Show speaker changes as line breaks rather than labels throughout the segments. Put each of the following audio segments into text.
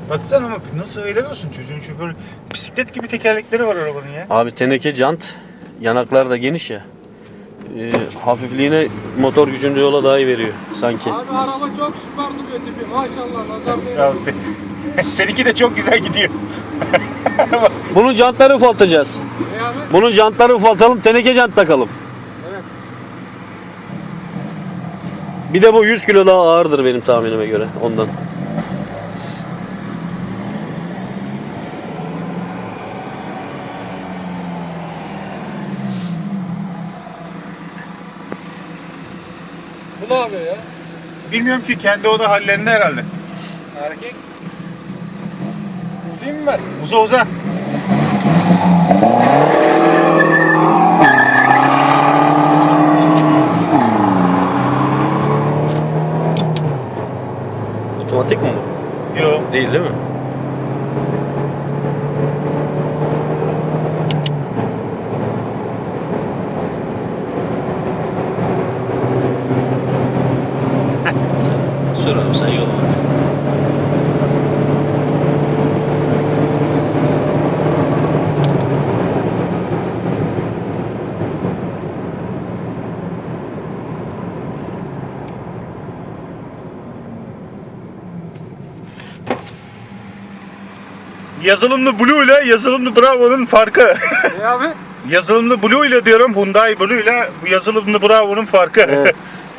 Baksana ama nasıl helal olsun çocuğun şoförü. Bisiklet gibi tekerlekleri var arabanın ya.
Abi teneke jant. Yanaklar da geniş ya. Hafifliğine motor gücünü yola daha iyi veriyor sanki.
Abi araba çok süper duruyor tipi. Maşallah nazar
Ya
değmesin.
seninki de çok güzel gidiyor.
Bunun jantları ufaltacağız.
Ne abi?
Bunun jantları ufaltalım, teneke jant takalım.
Evet.
Bir de bu 100 kilo daha ağırdır benim tahminime göre ondan.
Bu ne yapıyor ya?
Bilmiyorum ki kendi oda hallerinde herhalde.
Erkek. Uzayım mı ben?
Uza.
Otomatik mi bu?
Yok.
Değil mi? Sür abi sen yola bak.
Yazılımlı Blue ile yazılımlı Bravo'nun farkı.
Ne abi?
Yazılımlı Blue ile diyorum, Hyundai Blue ile bu yazılımlı Bravo'nun farkı.
Evet.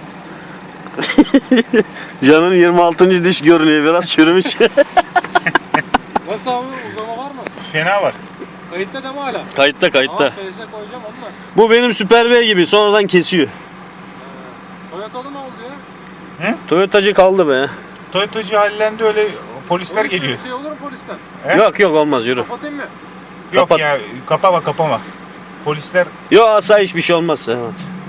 Can'ın 26. diş görünüyor, biraz çürümüş.
Nasıl abi? Uzama var mı?
Fena var.
Kayıtta da mı hala?
Kayıtta.
Ama PS koyacağım onunla.
Bu benim Super V gibi sonradan kesiyor.
Toyota'da ne oldu ya?
Toyotacı kaldı be.
Toyotacı hallendi, öyle polisler
Polis
geliyor.
Bir şey olur mu polisten?
He?
Yok olmaz, yürü.
Kapatayım mı?
Yok
kapat.
ya, kapama. Polisler
Yok asayiş bir şey olmaz. Evet.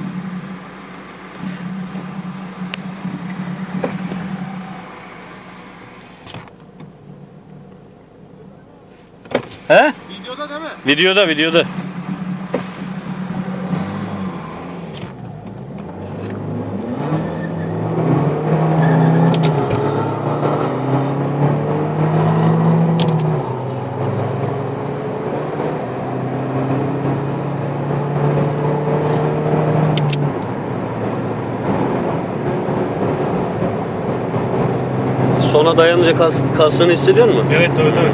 He?
Videoda değil mi?
Videoda. Sona dayanınca kastığını hissediyor musun?
evet.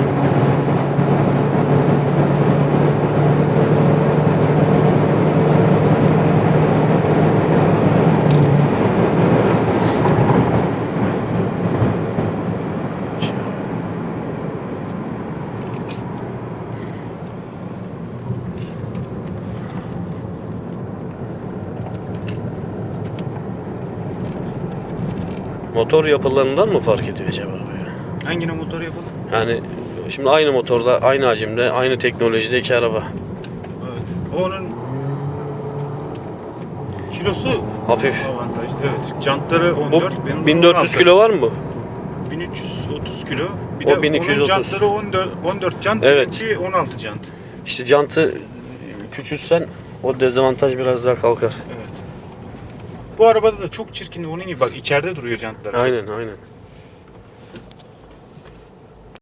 Motor yapılarından mı fark ediyor acaba böyle?
Hangine motor yapalım?
Yani şimdi aynı motorda, aynı hacimde, aynı teknolojideki araba.
Evet. Onun kilosu
Hafif.
avantajlı. Evet. Jantları
Bu
14, benim
1400
16.
kilo var mı bu?
1330 kilo. Bir
O
de
1230.
onun jantları 14 jant,
Evet.
benimki 16 jant.
İşte jantı küçülsen o dezavantaj biraz daha kalkar.
Evet. Bu arabada da çok çirkin, onun gibi bak, içeride duruyor jantlar.
Aynen.